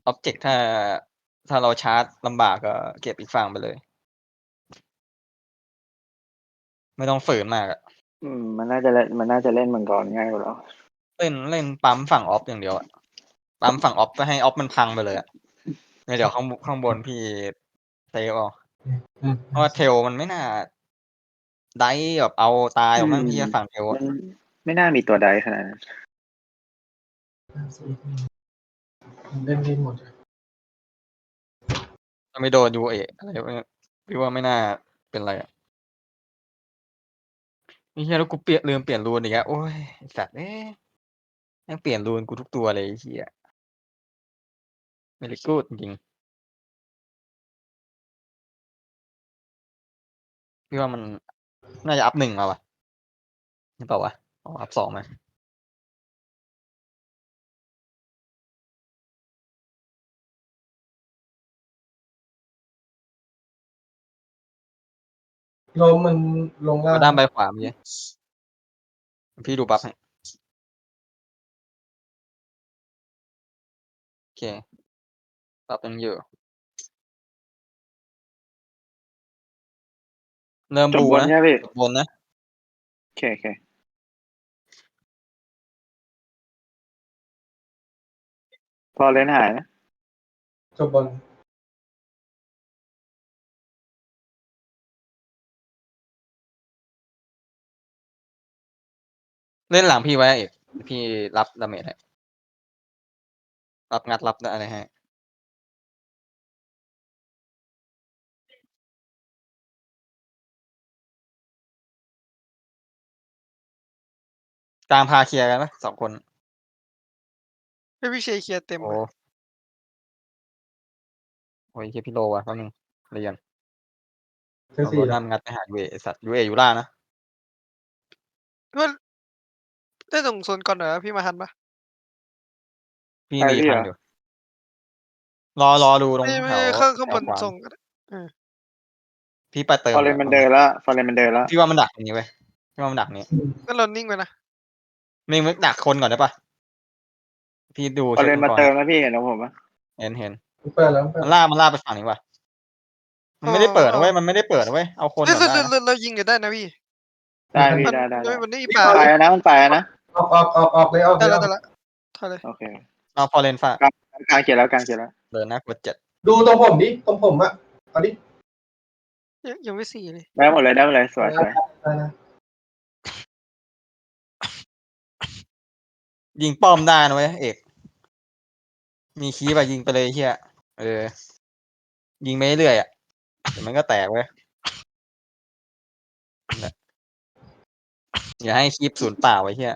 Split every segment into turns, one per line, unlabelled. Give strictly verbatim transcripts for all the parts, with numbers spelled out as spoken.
อ็อบเจกต์ถ้า ถ้าเราชาร์จลำบากก็เก็บอีกฝั่งไปเลย ไม่ต้องฝืนมากอะ
อืม มันน่าจะเล่น มันน่าจะเล่นมังกรง่ายกว่าเรา
เล่น เล่นปั๊มฝั่งออฟอย่างเดียวอะ ปั๊มฝั่งออฟก็ให้ออฟมันพังไปเลยอะ แล้วเดี๋ยวข้าง บ ข้างบนพี่เซฟเอา เพราะว่า Tail มันไม่น่า dive แบบเอาตายหรอกมั้ง
อืม
เหี้ย ฝั่ง Tail
มั
อะ
นไม่น่ามีตัว dive ขนาดนั้น
เล่นได้หมดเลย
ถ้าไม่โดน ยู เอ อะไรพวกเนี้ย พี่ว่าไม่น่าเป็นไรอะ ไอ้เหี้ย แล้วกูเปลี่ยน ลืมเปลี่ยน rune อีกแล้ว โอ๊ย ไอ้สัตว์เอ้ย แม่งเปลี่ยน rune กูทุกตัวเลยไอ้เหี้ย very good จริง ๆ พี่ว่ามันน่าจะ up หนึ่ง มาว่ะ หรือเปล่าวะ อ๋อ up สอง มา
ลมมันลงล่า
เอา
ง
ด้านไปขวาเมื่อกี้ พี่ดูบัฟให้ โอเค บัฟยังอยู่ เริ่ม
จบ
Blue
บน
นะ
ใช่ไหมพี่?
จบ บนนะ
โอเค ๆ Fallen หายนะ
จบบน
เล่นหลังพี่ไว้อะเอก เดี๋ยวพี่รับ damage ให้ รับงัด รับ อะไรให้ กลางพาเคลียร์กันไหม สอง คน?
ให้พี่เชเคลียร์เต็ม
โอ้
อะ
โอ้ย เหี้ย พี่โลว่ะ แป๊บหนึ่ง รีก่อน
เจอ
เอา
สี่
Roadhog งัดไปหา ยู เอ ไอ้สัตว์ ยู เอ อยู่ล่างนะ
พี่ว่า เล่นตรงโซนก่อนหน่อยนะ พี่มาทันเปล่า?
พี่
ไป
รี
พี่
ทั
เหรอ?
นอยู่ รอ รอดูตร
ไ
ง
ม่
แถ
ไม่
ว
ข้าง ข้าง
แถวขวา
บนส่งก็ได้ เออ
พี่ไปเติม
Fallen
แล้ว
มัน
แป๊บ
เดิ
หนึ่ง
นแล้ว Fallen มันเดินแล้ว
พี่ว่ามันดักตรงนี้เว้ย พี่ว่ามันดักนี้
อืม
งั้นเรานิ่งไว้นะ
มึง มึงดักคนก่อนได้เปล่า? พี่ดูเช็ก
Fallen
มัง
มาก เติ
รใ
ม
ห้
แล้วพี่เห็นของผมเปล่า?
เห็น เห็น
มันเปิดแล้ว มันเปิด
มัน
แล้
ลาก
ว
มันลากไปฝั่งนี้ว่ะ มั
เอน
ไม่ได้เปิด
อ
นะเว้ย มันไม่ได้เปิดนะเว้ย เอาคน
เฮ้ย
ก่อน
เรา
ได้
เรา
นะ
เรา เรายิงกันได้นะพี่
ได้พี่
มัน
ได้
มัน
ๆ
มันไม่มี
รีบ
ปลา
ถ
ๆ ไป
อย
แล้วนะ มันไปแล้วนะ
ออก ออก ออก ออกเลย ออก
ได
เ
้
ลย
แล้
อ
ว
อก
ได้แล้ว ถอยเลย
โอเค
เอา Fallen ฟาด
กลาง กลางเขียนแล้ว กลางเขียนแล้ว
เดินนะกด เจ็ด
ดูตรงผมดิ ตรงผมอะ เอาดิ
ยัง ยังไม่ สี่ เลย
ได้หมดเลย ได้หมดเลย สวย
ได้
ๆ
ได้นะ
ยิงป้อมได้นะเว้ยเอก มี creep อะ ยิงไปเลยไอ้เหี้ย เออ ยิงไปเรื่อย ๆ อะ เดี๋ยวมันก็แตกเว้ย นั่นแหละ อย่าให้ creep สูญเปล่าไอ้เหี้ย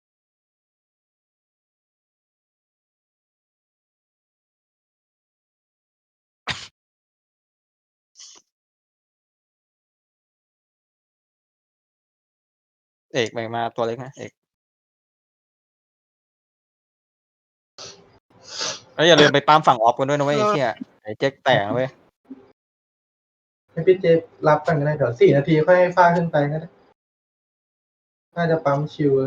เอก แบ่งมาตัวเล็กนะเอก เฮ้ย อย่าลืมไปปั๊มฝั่งออฟกันด้วยนะเว้ย
เออ
ไอ้เหี้ย ไอ้เจ๊กแตกนะเว้ย
ให้พี่เจรับก่อนก็ได้ เดี๋ยว สี่ นาทีค่อยให้ฟ้าขึ้นไปก็ได้ น่าจะปั๊มชิลเลย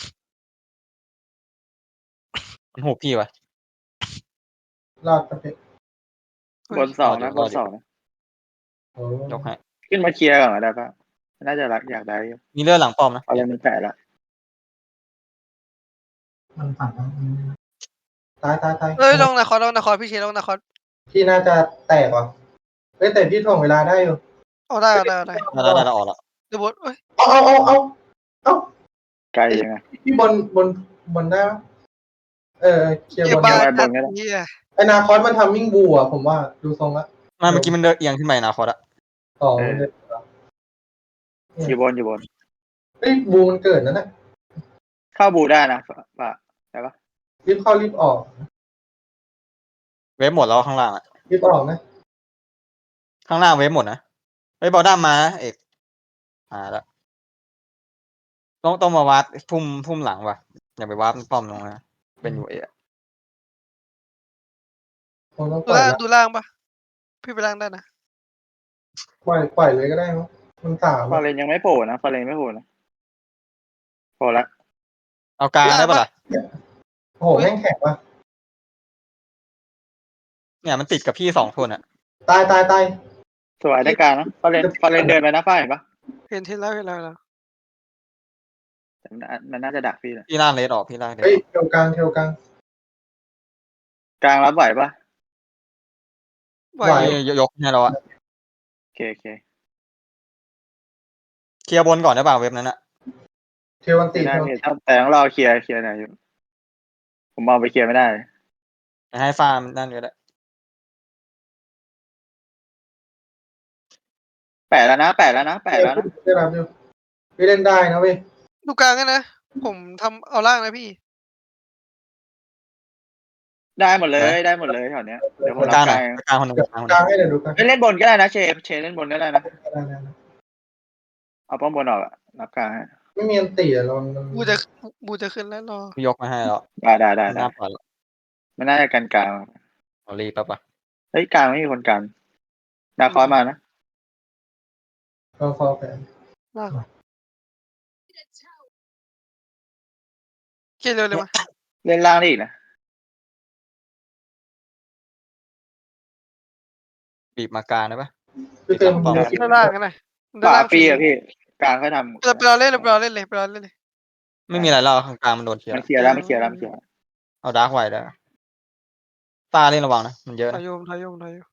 มันหุบพี่ว่ะ
รอดปะพี่?
บน สอง
รอดอ
นะ
ยู่
บ
รอน ดอ
ส
ยู่
อง นะ
โอ้
ยกให้
ขึ้นมาเคลียร์ก่อนก็ได้เปล่า? น่าจะรัก อยาก dive อยู่
มีเลือดหลังป้อมนะ
Fallen มันแปะแล้ว
มันปั่นแล้ว อืม ตาย ตาย
เฮ้ย
ๆ
ลง Nakhon ลง Nakhon พี่เช ลง Nakhon
พี่น่าจะแตกว่ะ เฮ้ย แต่พี่ถ่วงเวลาได้อยู่
เอาได้ เอาได้ เอาได้
ได้ ๆ ๆ เราออกแล้ว
เดี๋ยวบน เฮ้ย
อ้าว อ้าว อ้าว อ้าว
ไกลยังไง?
พี่บน บน บนได้เปล่า? เออ เคลียร์
เก็
บบ น
บ้า
ไว้
น
บ
นั
น
ด
ก็ได้
เหี้ย
ไอ้ Narcos มัน Timing Blue อะ ผมว่า ดูทรงแล้ว
ไม่ เมื่อกี้มันเดินเอียงขึ้นไป Narcos อะ
อ๋อ
เอ
มัน
อ
เดินเหรอ? เนี่
อย ยู่บน อยู่บน
เฮ้ย Blue มันเกิดแล้วนะ
เข้า Blue ได้นะ ฟ ฟ้า ได้เปล่า?
รีบเข้ารีบออก
เวฟหมดแล้วข้างล่างอะ
รีบออกนะ
ข้างล่างเวฟหมดนะ เฮ้ย Bottom มานะเอก มาแล้ว ต้อง ต้องมาวาร์ป พุ่ม พุ่มหลังว่ะ อย่าไปวาร์ปป้อมตรงนั้นนะ เป็น ยู เอ อะ
ผมต้อง
ดู
ปล่อย
ล่าง
ล่าง
ดูล่างเปล่า? พี่ไปล่างได้นะ
ปล่อย ปล่อยเลยก็ได้มั้ง มัน สาม อะ
Fallen ยังไม่โผล่นะ Fallen ไม่โผล่นะ โผล่แล้ว
เอากลางได้เปล่าล่ะ?
โอ้โฮ แม่งแข็งว่ะ
เนี่ยมันติดกับพี่สองคนอ่ะ
ตายตายตาย
สวยได้กลางนะฟอเรนฟอเรนเดินไปนะฝ้ายเห็นปะ
เห็นเห็นแล้วเห็นแล้วเห็นแล้ว
แต่มันน่ามันน่าจะดักพี่เลย
พี่ล่างเลสออกพี่ล่างเลส
เฮ้ย
ออก
เทวกลางเทวกลาง
กลางรับไหวปะ
ไหว
ไหว
พี่ยกให้เราอะ
โอเคโอเค
เคลียร์บนก่อนได้ป่าวเว็บนั้นอะ
เทวันติ
ไม่ได้
เทวัน
พี่
ติ
ต้องแต่ต้องรอเคลียร์เคลียร์หน่อยอยู่ผมมองไปเคลียร์ไม่ได้
ให้ฟาร์มนั่นก็ได้
แปดแล้วนะแปดแล้วนะแปดแล้วนะ
ได้รับอยู่พี่เล่นได้นะเว้ย
ดูกลางกันนะ ผมทำเอาล่างนะพี่
ได้หมดเลยได้หมดเลยแถวเนี้ยเดี๋ยวผม
ก
รั
ลา
บ
งห
ก
น่
ลา
อย
ง
กลางคนหนึ่งกลางคนห
กลาง
นึ่ง
ให้เดี๋ยวดูกัน
เอ้ยเล่นบนก็ได้นะเชฟเชฟเล่นบนก็ได้นะ
ได้ได้ได้
เอาป้อมบนออกอะรับกลางให้
ไม่มีอันตีอะเรามัน
บูจะบูจะขึ้นแล้วรอ
พี่ยกมาให้แล้ว
ได้ได้ได้
ไม่
ได้
น่าปล่อยหรอก
ไม่น่าจะกันกลาง
เอารีบปั๊บปะ
เฮ้ยกลางไม่มีคนกันนาคอยมานะ
เราฟอลแผน
ล่างเกี่ยวเร็วเลยมา
เล่นล่างได้อีกนะ
บีบมากลางได้ปะ
พี่เติม
ป้อม
มือ
ด้านล่างกันหน่อยด้าน
ป่า
ล่าง
ฟรีอะพี่กลางค่อยทำ
เราไปรอเล่นเราไปรอเล่นเลยไปรอเล่นเลย
ไม่มีอะไรแล้วข้างกลางมันโดนเคลียร์
มันเคลียร์แล้วมันเคลียร์แล้วมันเคลียร์แล้ว
เอาดาร์กไว้ได้ตาเล่นระวังนะมันเยอะ
ทา
นะ
ยโยมทายโยมทายโยม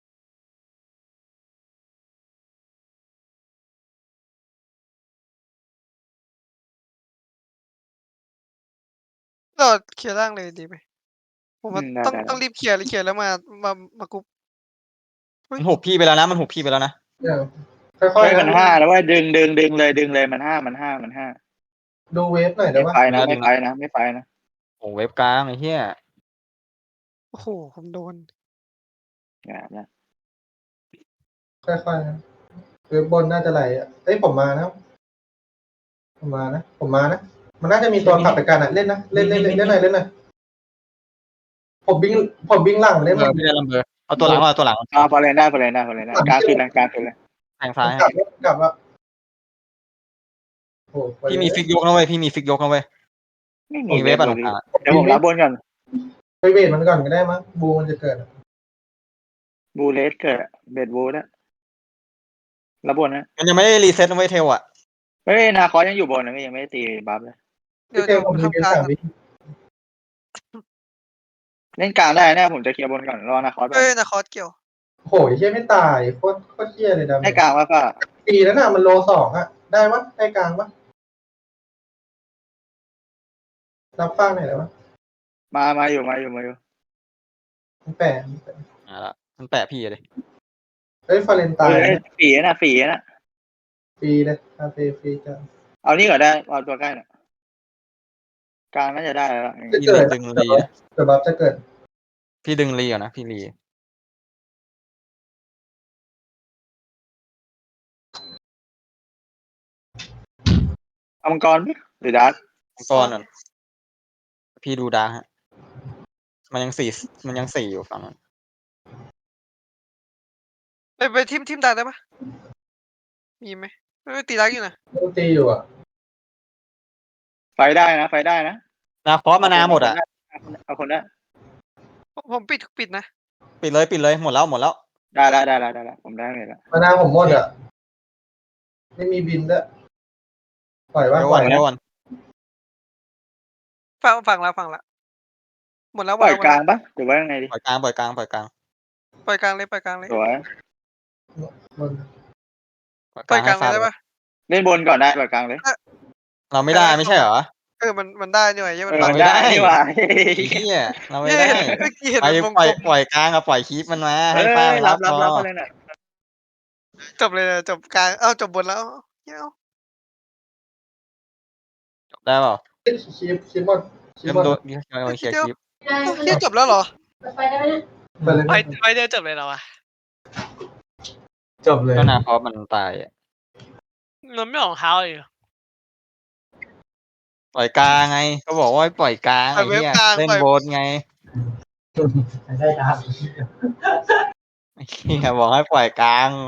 เราเคลียร์ล่างเลยดีไหมผมว่า
อืมได้
ต้อง
ได้
ต้องรีบเคลียร์เคลียร์แล้วมามามากุ๊บ
มันหุบพี่ไปแล้วนะมันหุบพี่ไปแล้วนะ
เนี่ยค่อย
เฮ้ย
ๆ
มันห้าแล้วว่าดึงดึงดึงเลยดึงเลยมันห้ามันห้ามันห้า
ดูเวฟหน่อยได้
ไม่
ปะ
ไฟนะไม่ไฟนะไม่ไฟนะ
โอ้เว็บกลางไอ้เหี้ย
โอ้โหผมโดน
อย่านะ
ค่อยๆนะเวฟบนน่าจะไหลอ่ะเอ้ยผมมานะผมมานะผมมานะมันน่าจะมีตัวขับไปกันอ่ะเล่นนะเล่นเล่นเล่นเล่นหน่อยเล่นหน่อยผมบิงผมบิงหลังเล่น
เบอร์พี่ได้ลำเบอร์เอาตัวหลังเอาตัวหลัง
เอาพอเล่นได้พอเล่นได้พอเล่นได้กลางคืนเลยกลางคืนเลย
แทงซ้าย
กลั
ให้
บกลับว่าโอ้
พี่มีฟิกยกนะเว้ยพี่มีฟิกยกนะเว้ย
ไม่มี
มีเว็บอะตรงกลาง
เดี๋ยวผมรับบนก่อน
ไปเวทมันก่อนก็ได้มั้งบูมันจะเกิด
บูเลสเกิดเบดบูนะรับบนนะ
มันยังไม่ได้รีเซ็ตนะเว้ยเทลอะ
เฮ้ยนาคอสยังอยู่บนนะยังไม่ได้ตีบัฟเลย
เดี๋ยว
พี่เต็
เดี๋ย
ม
ว
ผมมี
ทำ
เป็น
กลาง
สาม
ก่อน
วิ
เล่นกลางได้นะผมจะเคลียร์บนก่อนรอนาคอสไป
เอ้ยนาคอสเกี่ยว
โหยเชี่ยไม่ตายโคตรโคตรเชี่ยเลยดำ
ให้กลางว่าก็
ปีแล้วน่ะมันโลสองอ่ะได้วะได้กลางปะรับฟ้าหน่อยได้ปะ
มามาอยู่มาอยู่มาอยู่
มันแปะ
อ่าละมันแปะพี่เลย
เฮ้ยฟาเรนไตาย
เฮ้ยฝีนะฝีนะ
ฟรีเลยคาเฟ่ฟรีจ้ะ
เอานี่ก่อนได้เอาตัวใกล้น่ะกลางน่าจะได้แล้ว
พี่รีดึงรีนะ
เดี๋ยวบัฟจะเกิด
พี่ดึงรีก่อนนะพี่รี
เอามังกรไหมหรือดัก
มังกรก่อนพี่ดูดาร์กฮะมันยังสี่มันยังสี่อยู่ฝั่งนั้น
ไปไปทิมทิมดันได้ปะมีไหมไม่ตีรักอยู่นะ
ต้องตีอยู่อ่ะ
ไฟได้นะไฟได้นะ
นาคอสมานาหมดอะ
เอาคนได้
ผมผมปิดปิดนะ
ปิดเลยปิดเลยหมดแล้วหมดแล้ว
ได้ได้ได้ได้ได้ได้ผมได้เลยละ
มานาผมหมดอ่ะไม่มีบินด้วยปล่อยว่า
เดี๋ยว
ป
ก่
ล่
อ
อน ย
เดี๋ยวก่อน
ฟังฟังแล้วฟังละหมดแล้วหม
ป
ด
ล่อย
แล้วหมด
กลาง
แล้ว
ปะหรือว่ายังไงดี
ปล่อยกลางปล่อยกลางปล่อยกลาง
ปล่อยกลางเลยปล่อยกลางเลย
สวย
บน
ปล่อยก
ปล่
ลา
อย
ง
กลา
ให้
งเลยได้ปะ
ฟาด
เล่นบนก่อนได้ปล่อยกลางเลย
เราไม่ได้ไม่ใช่เหรอ
เออมันมันได้นี่หว่าเหี้ย
เอ
มัน
อ
บัง
ไม่
ได้
ได้
นี่หว่า
ไอ้เหี้ยเราไม่
เย้
ได้
เมื่อกี้เห็น
ไป
มันวง
ปล่อย
กลม
ปล่อยกลางกับปล่อยคีปมันมา
เฮ้
ให้
ย
ฟาด
รับรับ
พ
รับ
อ
มาเลยน่ะ
จบเลยนะจบกลางเอ้าจบบนแล้วเอ้า
จบได้เปล่า
คีบคีบหมดคี
เริ่
บ
ม
หมด
โดนเคลียร์คีป
เอ้าเหี้ยจบแล้วเหรอ
ไปเลย
ไปไปเดียวจบเลยเหรอวะ
จบเลย
ก็นาคอสมันตายอะ
มันไม่ออกเท้าเลย
ปล่อยกลางไง ก็บอกว่าให้ปล่อยกลาง
ปล่
ไอ้
อยเว็บ
เหี้ย
กลาง
เล่น
ปล่อย
โบนไง
ได้ครับ
ไอ้เหี้ยบอกให้ปล่อยกลาง